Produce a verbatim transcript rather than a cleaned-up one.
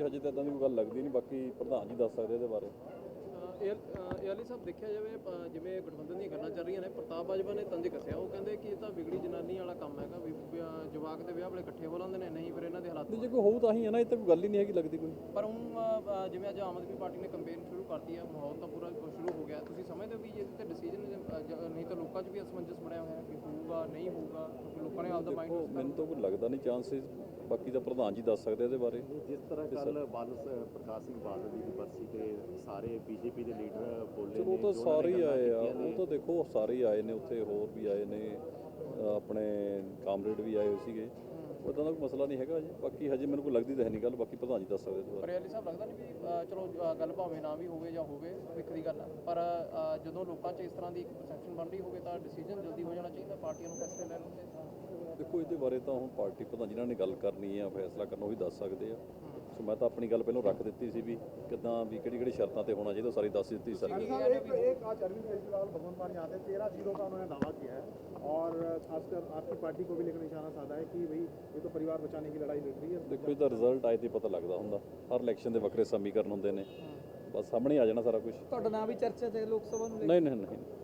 ਜੀ ਹਜੇ ਤਾਂ ਇਦਾਂ ਦੀ ਕੋਈ ਗੱਲ ਲੱਗਦੀ ਨਹੀਂ, ਬਾਕੀ ਪ੍ਰਧਾਨ ਜੀ ਦੱਸ ਸਕਦੇ ਇਹਦੇ ਬਾਰੇ। ਏਆਲੀ ਸਾਹਿਬ ਦੇਖਿਆ ਜਾਵੇ ਅ, ਜਿਵੇਂ ਗਠਬੰਧਨ ਦੀਆਂ ਗੱਲਾਂ ਚੱਲ ਰਹੀਆਂ ਨੇ, ਪ੍ਰਤਾਪ ਬਾਜਵਾ ਨੇ ਤੰਜ ਕੱਸਿਆ, ਉਹ ਕਹਿੰਦੇ ਕਿ ਇਹ ਤਾਂ ਵਿਗੜੀ ਜਨਾਨੀ ਵਾਲਾ ਕੰਮ ਹੈਗਾ ਵੀ ਵਿਆਹ- ਜਵਾਕ ਦੇ ਵਿਆਹ ਵੇਲੇ ਇਕੱਠੇ ਹੋ ਲੈਂਦੇ ਨੇ, ਨਹੀਂ ਫਿਰ ਇਹਨਾਂ ਦੇ ਹਾਲਾਤ ਜੇ ਕੋਈ ਹੋਊ ਤਾਂ ਹੀ ਹੈ ਨਾ, ਇਹ ਤਾਂ ਕੋਈ ਗੱਲ ਹੀ ਨਹੀਂ ਹੈਗੀ ਲੱਗਦੀ ਕੋਈ। ਪਰ ਹੁਣ ਅ, ਜਿਵੇਂ ਅੱਜ ਆਮ ਆਦਮੀ ਪਾਰਟੀ ਨੇ ਕੰਪੇਨ ਸ਼ੁਰੂ ਕਰਤੀ ਹੈ, ਮਾਹੌਲ ਤਾਂ ਪੂਰਾ ਸ਼ੁਰੂ ਹੋ ਗਿਆ, ਤੁਸੀਂ ਸਮਝਦੇ ਹੋ ਵੀ ਇਹਦੇ ਤੇ ਡਿਸੀਜਨ ਨਹੀਂ ਤਾਂ ਲੋਕਾਂ 'ਚ ਵੀ ਅਸਮੰਜਸ ਬਣਿਆ ਹੋਇਆ ਕਿ ਹੋਊਗਾ ਨਹੀਂ ਹੋਊਗਾ, ਕਿਉਂਕਿ ਲੋਕਾਂ ਨੇ ਆਪਦਾ ਦੇਖੋ ਮਾਈਂਡ ਮੈਨੂੰ ਤਾਂ ਕੋਈ ਲੱਗਦਾ ਨਹੀਂ ਚਾਂਸਿਸ, ਬਾਕੀ ਤਾਂ ਪ੍ਰਧਾਨ ਜੀ ਦੱਸ ਸਕਦੇ ਇਹਦੇ ਬਾਰੇ। ਜਿਸ ਤਰ੍ਹਾਂ ਕੱਲ ਬਾਦਲ ਸ- ਪ੍ਰਕਾਸ਼ ਸਿੰਘ ਬਾਦਲ ਜੀ ਦੀ ਬਰਸੀ ਤੇ ਸਾਰੇ ਬੀਜੇਪੀ ਦੇ ਲੀਡਰ ਬੋਲੇ ਚਲੋ ਉਹ ਨੇ, ਤਾਂ ਜੋ ਉਹਨਾਂ ਸਾਰੇ ਨੇ ਹੀ ਗੱਲਾਂ ਆਏ ਆ, ਕੀਤੀਆਂ ਉਹ ਨੇ। ਤਾਂ ਦੇਖੋ ਸਾਰੇ ਹੀ ਆਏ ਨੇ ਉੱਥੇ, ਹੋਰ ਵੀ ਆਏ ਨੇ, ਅ, ਆਪਣੇ ਕਾਮਰੇਡ ਵੀ ਆਏ ਹੋਏ ਸੀਗੇ, ਉੱਦਾਂ ਦਾ ਕੋਈ ਮਸਲਾ ਨਹੀਂ ਹੈਗਾ ਜੀ। ਬਾਕੀ ਹਜੇ ਮੈਨੂੰ ਕੋਈ ਲੱਗਦੀ ਤਾਂ ਹੈ ਨਹੀਂ ਗੱਲ, ਬਾਕੀ ਪ੍ਰਧਾਨ ਜੀ ਦੱਸ ਸਕਦੇ ਇਹਦੇ ਬਾਰੇ। ਪਰ ਏਆਲੀ ਸਾਹਿਬ ਲੱਗਦਾ ਨਹੀਂ ਵੀ ਅ, ਚਲੋ ਅ, ਗੱਲ ਭਾਵੇਂ ਨਾ ਵੀ ਹੋਵੇ ਜਾਂ ਹੋਵੇ ਭਵਿੱਖ ਦੀ ਗੱਲ ਹੈ, ਪਰ ਅ, ਜਦੋਂ ਲੋਕਾਂ 'ਚ ਇਸ ਤਰ੍ਹਾਂ ਦੀ ਇੱਕ ਪਰਸੈਪਸ਼ਨ ਬਣ ਰਹੀ ਹੋਵੇ ਤਾਂ ਡਿਸੀਜਨ ਜਲਦੀ ਹੋ ਜਾਣਾ ਚਾਹੀਦਾ, ਪਾਰਟੀਆਂ ਨੂੰ ਫੈਸਲੇ ਲੈ ਲੈਂਦੇ। ਦੇਖੋ ਇਹਦੇ ਬਾਰੇ ਤਾਂ ਹੁਣ ਪਾਰਟੀ ਪ੍ਰਧਾਨ ਜਿਨ੍ਹਾਂ ਨੇ ਗੱਲ ਕਰਨੀ ਆ, ਫੈਸਲਾ ਕਰਨਾ, ਉਹੀ ਦੱਸ ਸਕਦੇ ਆ। ਸੋ ਮੈਂ ਤਾਂ ਆਪਣੀ ਗੱਲ ਪਹਿਲਾਂ ਰੱਖ ਦਿੱਤੀ ਸੀ ਵੀ ਕਿੱਦਾਂ ਵੀ ਕਿਹੜੀ ਕਿਹੜੀ ਸ਼ਰਤਾਂ ਤੇ होना चाहिए, सारी दस ਦਿੱਤੀ सारी। एक एक आज अरविंद केजरीवाल भगवंत मान यहाँ थे, तेरह जीरो का उन्होंने दावा किया है और खासकर आपकी पार्टी को भी लेकर निशाना साधा है कि भाई ये तो परिवार बचाने की लड़ाई लड़ रही है। ਦੇਖੋ ਇਹਦਾ ਰਿਜ਼ਲਟ ਆਏ ਤੇ ਪਤਾ ਲੱਗਦਾ ਹੁੰਦਾ, ਹਰ ਇਲੈਕਸ਼ਨ ਦੇ ਵੱਖਰੇ ਸਮੀਕਰਨ ਹੁੰਦੇ ਨੇ, ਬਸ ਸਾਹਮਣੇ ਆ ਜਾਣਾ ਸਾਰਾ ਕੁਝ। ਤੁਹਾਡਾ ਨਾਮ ਵੀ ਚਰਚਾ 'ਚ ਹੈ ਲੋਕ ਸਭਾ ਨੂੰ ਲੈ ਕੇ? ਨਹੀਂ ਨਹੀਂ ਨਹੀਂ